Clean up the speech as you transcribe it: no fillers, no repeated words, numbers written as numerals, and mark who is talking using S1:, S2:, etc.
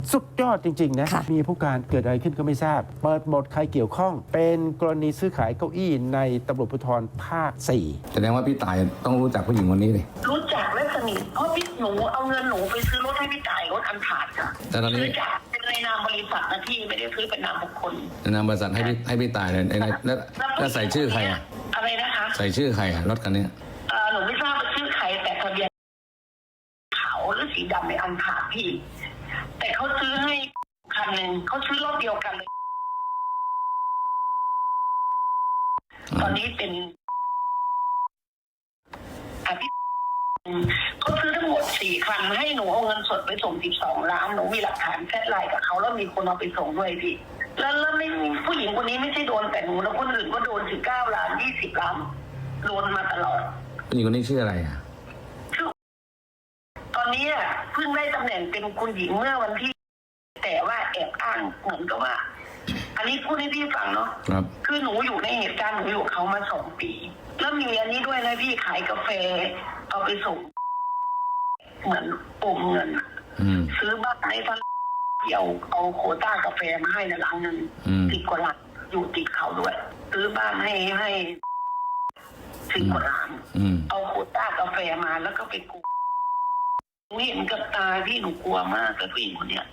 S1: สุดยอดจริงๆนะมีผู้การเกิดอะไรขึ้นก็ไม่ทราบเปิดหมดใครเกี่ยวข้องเป็นกรณีซื้อขายเก้าอี้ในตำรวจภูธรภาค 4
S2: แสดงว่าพี่ต่ายต้องรู้จักผู้หญิงคนนี้ดิ
S3: รู้จักและสนิทเพราะพี่หนูเอาเงินหนูไปซื้อรถให้พี่จ่ายรถอันผ่านค่ะซื้อจากเป็นในนามบริษัทนะพี่ไม่ได้ซื้อเป็นนามบุคคล
S2: ในนามบริษัทให้พี่ต่ายเลยแล้วใส่ชื่อใครอ่ะ
S3: อะไรนะคะ
S2: ใส่ชื่อใครอ่ะรถคันนี้
S3: หนูไม่ทราบว่าชื่อใครแต่ทะเบียนขาวหรือสีดำในอันผ่านพี่แต่เขาซื้อให้คันหนึ่งเขาซื้อรถเดียวกันเลยตอนนี้เป็นเขาซื้อทั้งหมด4 คันให้หนูเอาเงินสดไปส่ง12 ล้านหนูมีหลักฐานแชทไลน์กับเขาแล้วมีคนเอาไปส่งด้วยพี่แล้วไม่ผู้หญิงคนนี้ไม่ใช่โดนแต่หนูแล้วคนอื่นก็โดน19 ล้าน20 ล้านโดนมาตลอด
S2: ผู้หญิงคนนี้ชื่ออะไรอ่ะ
S3: ตอนนี้เพิ่งได้ตำแหน่งเป็นคุณหญิงเมื่อวันที่แต่ว่าแอบอ้างเหมือนกับว่าอันนี้พูดให้พี่ฟังเนาะคือหนูอยู่ในเหตุการณ์หนูอยู่เขามา2 ปีแล้วมีอันนี้ด้วยนะพี่ขายกาแฟเอาไปส่งเหมือนอมเงินซื้อบ้านในท่านเอาโควต้ากาแฟมาให้ในหลังหนึ่ง10 กว่าล้านอยู่ติดเขาด้วยซื้อบ้านให้10 กว่าล้านเอาโควต้ากาแฟมาแล้วก็ไปกู้เห็นกับตาพี่หนูกลัวมากกับผู้หญิงคนเนี้ย